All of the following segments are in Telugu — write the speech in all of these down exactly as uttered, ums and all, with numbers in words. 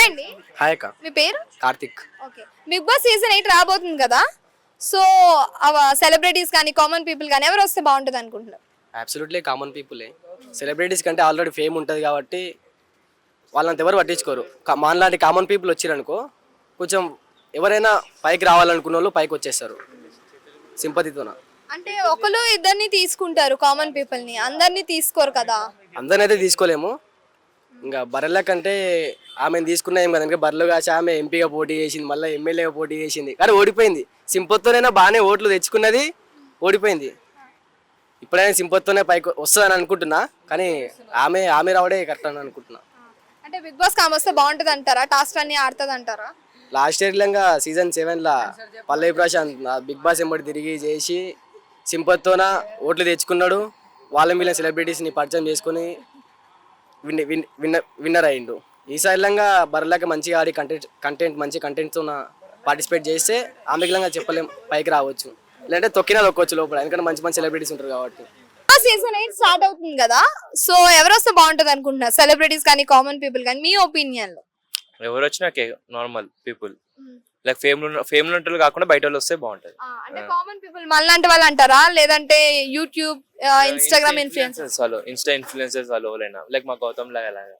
హాయ్ అండి. హాయ్ అక్క. మీ పేరు? Karthik. Okay. Bigg Boss season eight రాబోతుంది కదా, సో అవ సెలబ్రిటీస్ కానీ కామన్ పీపుల్ కానీ ఎవరు వస్తే బాగుంటుంది అనుకుంటున్నారు? అబ్సల్యూట్లీ కామన్ పీపులే. సెలబ్రిటీస్ కంటే ఆల్రెడీ ఫేమ్ ఉంటుంది కాబట్టి వాళ్ళంత ఎవరు పట్టించుకోరు. కా- మనలాంటి కామన్ పీపుల్ వచ్చిరనుకో కొంచెం ఎవరైనా పైకి రావాలనుకున్న వాళ్ళు పైకి వచ్చేస్తారు సింపతితోన. అంటే ఒకరు ఇద్దరిని తీసుకుంటారు కామన్ పీపుల్ ని, అందరినీ తీసుకోరు కదా. అందరినైతే తీసుకోలేము. ఇంకా బర్రెల కంటే ఆమెను తీసుకున్నా ఏం కదంటే బర్రెలు కాసి ఆమె ఎంపీగా పోటీ చేసింది, మళ్ళీ ఎమ్మెల్యేగా పోటీ చేసింది, కానీ ఓడిపోయింది. సింపతితోనైనా బాగానే ఓట్లు తెచ్చుకున్నది, ఓడిపోయింది. ఇప్పుడైనా సింపతితోనే పైకి వస్తుందని అనుకుంటున్నా, కానీ ఆమె ఆమె రావడే కరెక్ట్ అని అనుకుంటున్నా. అంటే బిగ్ బాస్ కామ్ వస్తే బాగుంటుంది అంటారా? టాస్క్ అన్ని ఆడుతుంది అంటారా? లాస్ట్ ఇయర్లంగా సీజన్ సెవెన్లో పల్లవి ప్రశాంత్ బిగ్ బాస్ ఎంబడి తిరిగి చేసి సింపతితోన ఓట్లు తెచ్చుకున్నాడు. వాళ్ళ మీద సెలబ్రిటీస్ని పరిచయం చేసుకొని విన్ విన్ విన్నర్ విన్నర్ అయ్యిండు. ఈసారిలంగా బర్రెలాగా మంచిగా ఆడి కంటెంట్ కంటెంట్ మంచి కంటెంట్తో పార్టిసిపేట్ చేస్తే ఆమెకిలంగా చెప్పలేం పైకి రావచ్చు, లేదంటే తొక్కినా తొక్కొచ్చు లోపల, ఎందుకంటే మంచి మంచి సెలబ్రిటీస్ ఉంటారు కాబట్టి. సీజన్ ఎయిట్ స్టార్ట్ అవుతుంది కదా, సో ఎవరు వస్తే బాగుంటుంది అనుకుంటున్నారు? సెలబ్రిటీస్ కానీ కామన్ పీపుల్ కానీ మీ ఒపీనియన్ లో? ఎవరు వచ్చినా okay, normal people like fame fame ఉంటారు కాకుండా బయట వాళ్ళు వస్తే బాగుంటది. అంటే కామన్ పీపుల్ మనలాంటి వాళ్ళు అంటారా, లేదంటే యూట్యూబ్ ఇన్స్టాగ్రామ్ ఇన్ఫ్లుయెన్సర్స్? వాళ్ళు ఇన్స్టా ఇన్ఫ్లుయెన్సర్స్ వాళ్ళు ఎవరైనా లైక్ మా గౌతమ్ లాగా అలాగా.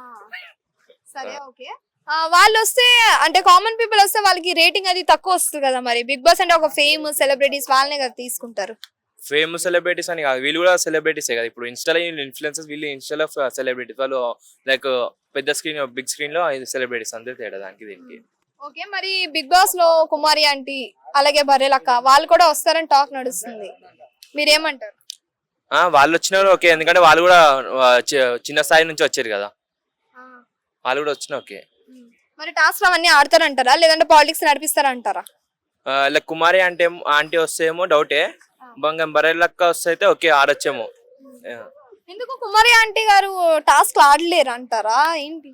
సరే ఓకే. వాళ్ళు వస్తే అంటే కామన్ పీపుల్ వస్తే వాళ్ళకి రేటింగ్ అది తక్కువ వస్తుంది కదా, మరి బిగ్ బాస్ అంటే ఒక ఫేమ్ సెలబ్రిటీస్ వాళ్ళనే కదా తీసుకుంటారు. ఫేమ్ సెలబ్రిటీస్ అని కాదు, వీళ్ళు కూడా సెలబ్రిటీసే కదా. ఇప్పుడు ఇన్స్టాలో ఇన్ఫ్లుయెన్సర్స్, వీళ్ళు ఇన్స్టాలో సెలబ్రిటీస్, వాళ్ళు లైక్ పెద్ద స్క్రీన్ బిగ్ స్క్రీన్ లో సెలబ్రిటీస్, అంతే తేడా దానికి దీనికి. ఓకే, మరి బిగ్ బాస్ లో కుమారి ఆంటీ అలాగే బర్రెలక్క వాళ్ళు కూడా వస్తారని టాక్ నడుస్తుంది, మీరేమంటారు? ఆ వాళ్ళు వచ్చిన ఓకే, ఎందుకంటే వాళ్ళు కూడా ఆ, చి- చిన్న స్థాయి నుంచి వచ్చారు కదా, వాళ్ళు కూడా వచ్చిన ఓకే. మరి టాస్క్ అవన్నీ ఆడతారంటారా, లేదంటే పాలిటిక్స్ నడిపిస్తారంటారా? లైక్ కుమారి అంటే ఆంటీ వస్తేమో డౌటే, బంగం బరెల్లక్క వస్తే అయితే ఓకే ఆడొచ్చేమో. ఎందుకు కుమారి ఆంటీ గారు టాస్క్ ఆడలేరు అంటారా ఏంటి?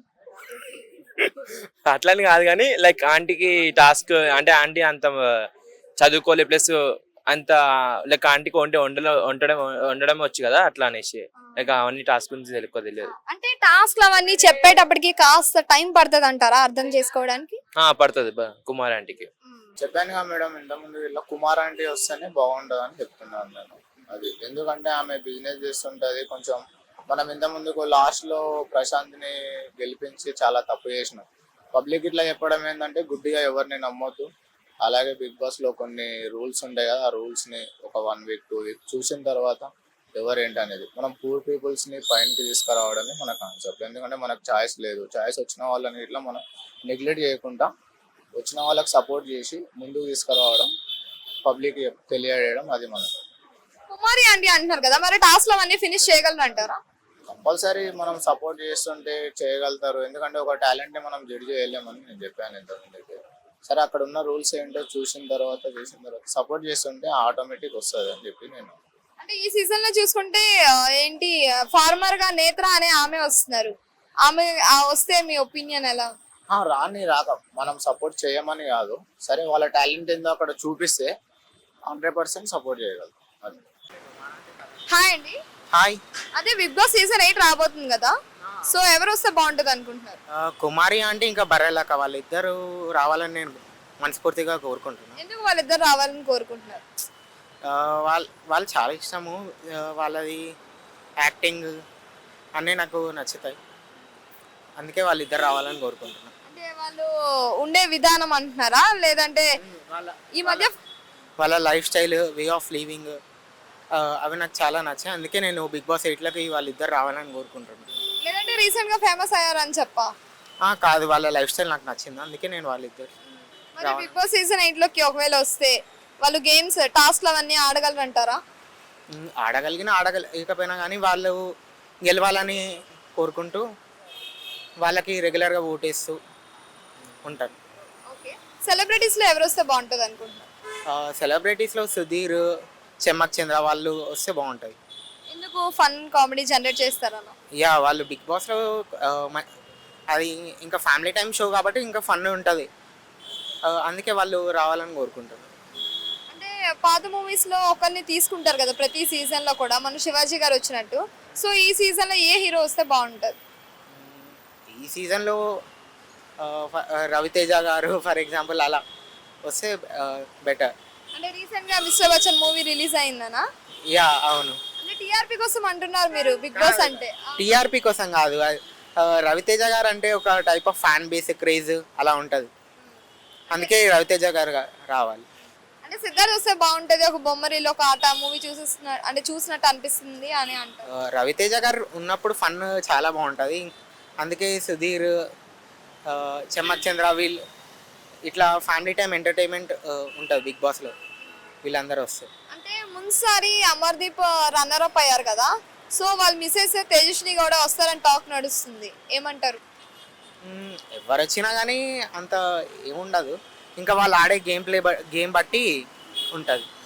అట్లని కాదు కానీ లైక్ ఆంటీకి టాస్క్ అంటే ఆంటీ అంత చదువుకోలే, ప్లస్ అంత లైక్ ఆంటీకి వంట వండలో వండడం వండడం వచ్చు కదా, అట్లా అనేసి లైక్ అవన్నీ టాస్క్ గురించి తెలుసుకో తెలియదు. అంటే టాస్క్ అవన్నీ చెప్పేటప్పటికి కాస్త టైం పడుతుంది అంటారా అర్థం చేసుకోవడానికి? ఆ పడుతుంది కుమార్ ఆంటీకి. చెప్పాను కదా మేడం, ఇంతకుముందు వీళ్ళ కుమార్ ఆంటీ వస్తేనే బాగుంటుంది అని చెప్తున్నాను నేను. అది ఎందుకంటే ఆమె బిజినెస్ చేస్తుంటది కొంచెం. మనం ఇంత ముందుకు లాస్ట్ లో ప్రశాంత్ ని గెలిపించి చాలా తప్పు చేసినాం. పబ్లిక్ ఇట్లా చెప్పడం ఏంటంటే గుడ్డిగా ఎవరిని నమ్మొద్దు. అలాగే బిగ్ బాస్ లో కొన్ని రూల్స్ ఉంటాయి కదా, ఆ రూల్స్ ని ఒక వన్ వీక్ టూ వీక్ చూసిన తర్వాత ఎవరేంటి అనేది మనం పూర్ పీపుల్స్ ని పైనకి తీసుకురావడమే మన కాన్సెప్ట్. ఎందుకంటే మనకు ఛాయిస్ లేదు. ఛాయిస్ వచ్చిన వాళ్ళని ఇట్లా మనం నెగ్లెక్ట్ చేయకుండా వచ్చిన వాళ్ళకి సపోర్ట్ చేసి ముందుకు తీసుకురావడం, పబ్లిక్ తెలియజేయడం, అది మనం కుమారి ఆంటీ అంటున్నారు కదా, మరి టాస్క్ అవన్నీ ఫినిష్ చేయగలరు అంటారా? కంపల్సరీ మనం సపోర్ట్ చేస్తుంటే చేయగలుగుతారు. ఎందుకంటే ఒక టాలెంట్ ని మనం జడ్జి చేయలేమని నేను చెప్పాను ఇంతకుముందు. సరే అక్కడ ఉన్న రూల్స్ ఏంటో చూసిన తర్వాత చేసిన తర్వాత సపోర్ట్ చేస్తుంటే ఆటోమేటిక్ వస్తుంది అని చెప్పి నేను. అంటే ఈ సీజన్ లో చూసుకుంటే ఆ, ఏంటి ఫార్మర్ గా నేత్ర అనే ఆమె వస్తున్నారు, ఆమె ఆ వస్తే మీ ఒపీనియన్ ఎలా? ఆ, రాని రాక మనం సపోర్ట్ చేయమని కాదు, సరే వాళ్ళ టాలెంట్ ఏందో అక్కడ చూపిస్తే హండ్రెడ్ పర్సెంట్ సపోర్ట్ చేయగలరు. అది. హాయ్ అండి. హాయ్. అదే బిగ్ బాస్ సీజన్ ఎయిట్ రాబోతుంది కదా, సో ఎవరు వస్తే బాగుంటుంది అనుకుంటున్నారు? ఆ, కుమారి అంటే ఇంకా బర్రెలక్క వాళ్ళిద్దరు రావాలని నేను మనస్ఫూర్తిగా కోరుకుంటున్నాను. ఎందుకు వాళ్ళిద్దరు రావాలని కోరుకుంటున్నారు? ఆ, వాళ్ళ వాళ్ళు చాలా ఇష్టము. ఆ, వాళ్ళది యాక్టింగ్ అన్నీ నాకు నచ్చుతాయి, అందుకే వాళ్ళిద్దరు రావాలని కోరుకుంటున్నాను. అంటే వాళ్ళు ఉండే విధానం అంటున్నారా, లేదంటే వాళ్ళ ఈ మధ్య వాళ్ళ lifestyle, way of living అవి నాకు చాలా నచ్చాయి, అందుకే నేను బిగ్ బాస్ ఎయిట్లోకి వాళ్ళిద్దరు రావాలని కోరుకుంటున్నాను. లేదంటే రీసెంట్ గా ఫేమస్ అయ్యారని చెప్పా? ఆ, కాదు, వాళ్ళ లైఫ్ స్టైల్ నాకు నచ్చింది, అందుకే నేను వాళ్ళిద్దరు మరి బిగ్ బాస్ సీజన్ ఎయిట్ లోకి ఒకవేళ వస్తే వాళ్ళు గేమ్స్ టాస్క్లు అవన్నీ ఆడగలరు అంటారా? ఉమ్, ఆడగలిగిన ఆడగలిగకపోయినా కానీ వాళ్ళు గెలవాలని కోరుకుంటూ వాళ్ళకి రెగ్యులర్గా ఓటేస్తూ ఉంటాను. ఓకే, సెలబ్రిటీస్ లో ఎవరు వస్తే బాగుంటుంది అనుకుంటున్నారు? సెలబ్రిటీస్లో సుధీర్, చెమ్మక్ చంద్ర వాళ్ళు వస్తే బాగుంటుంది. ఎందుకు ఫన్ కామెడీ జనరేట్ చేస్తారన్నా? యా, వాళ్ళు బిగ్ బాస్లో అది ఇంకా ఫ్యామిలీ టైం షో కాబట్టి ఇంకా ఫన్ ఉంటుంది, అందుకే వాళ్ళు రావాలని కోరుకుంటారు. అంటే పాత మూవీస్ లో ఒకరిని తీసుకుంటారు కదా ప్రతి సీజన్ లో కూడా, మన శివాజీ గారు వచ్చినట్టు, సో ఈ సీజన్ లో ఏ హీరో వస్తే బాగుంటుంది? ఈ సీజన్లో ఆ, ఫ- ఆ, రవితేజ గారు ఫర్ ఎగ్జాంపుల్ అలా వస్తే బెటర్. అంటే రీసెంట్ గా మిస్టర్ బచ్చన్ మూవీ రిలీజ్ అయిందనా? యా అవును. అంటే టీఆర్పీ కోసం అంటున్నారు మీరు బిగ్ బాస్ అంటే. టీఆర్పీ కోసం కాదు, ఆ, రవితేజ గారు అంటే ఒక type of fan base craze అలా ఉంటుంది, అందుకే రవితేజ గారు గా- రావాలి. అంటే సిద్ధార్థ్ వస్తే బాగుంటది, ఒక బొమ్మరిలో ఒక ఆట మూవీ చూసేస్తున్న అంటే చూసినట్టు అనిపిస్తుంది అని అంటారు. ఆ, రవితేజ గారు ఉన్నప్పుడు ఫన్ చాలా బాగుంటుంది, అందుకే సుధీర్, ఆ, చెమ్మక్ చంద్ర వీళ్ళు ఇట్లా ఫ్యామిలీ టైం ఎంటర్టైన్మెంట్ ఉంటుంది బిగ్ బాస్లో వీళ్ళందరూ వస్తే. అంటే ముందుసారి అమర్దీప్ రన్నర్ అప్ అయ్యారు కదా, సో వాళ్ళు మిస్ అయితే తేజస్విని కూడా వస్తారని టాక్ నడుస్తుంది, ఏమంటారు? మ్మ్, ఎవరు వచ్చినా కానీ అంత ఏముండదు, ఇంకా వాళ్ళు ఆడే గేమ్ ప్లే గేమ్ బట్టి ఉంటుంది.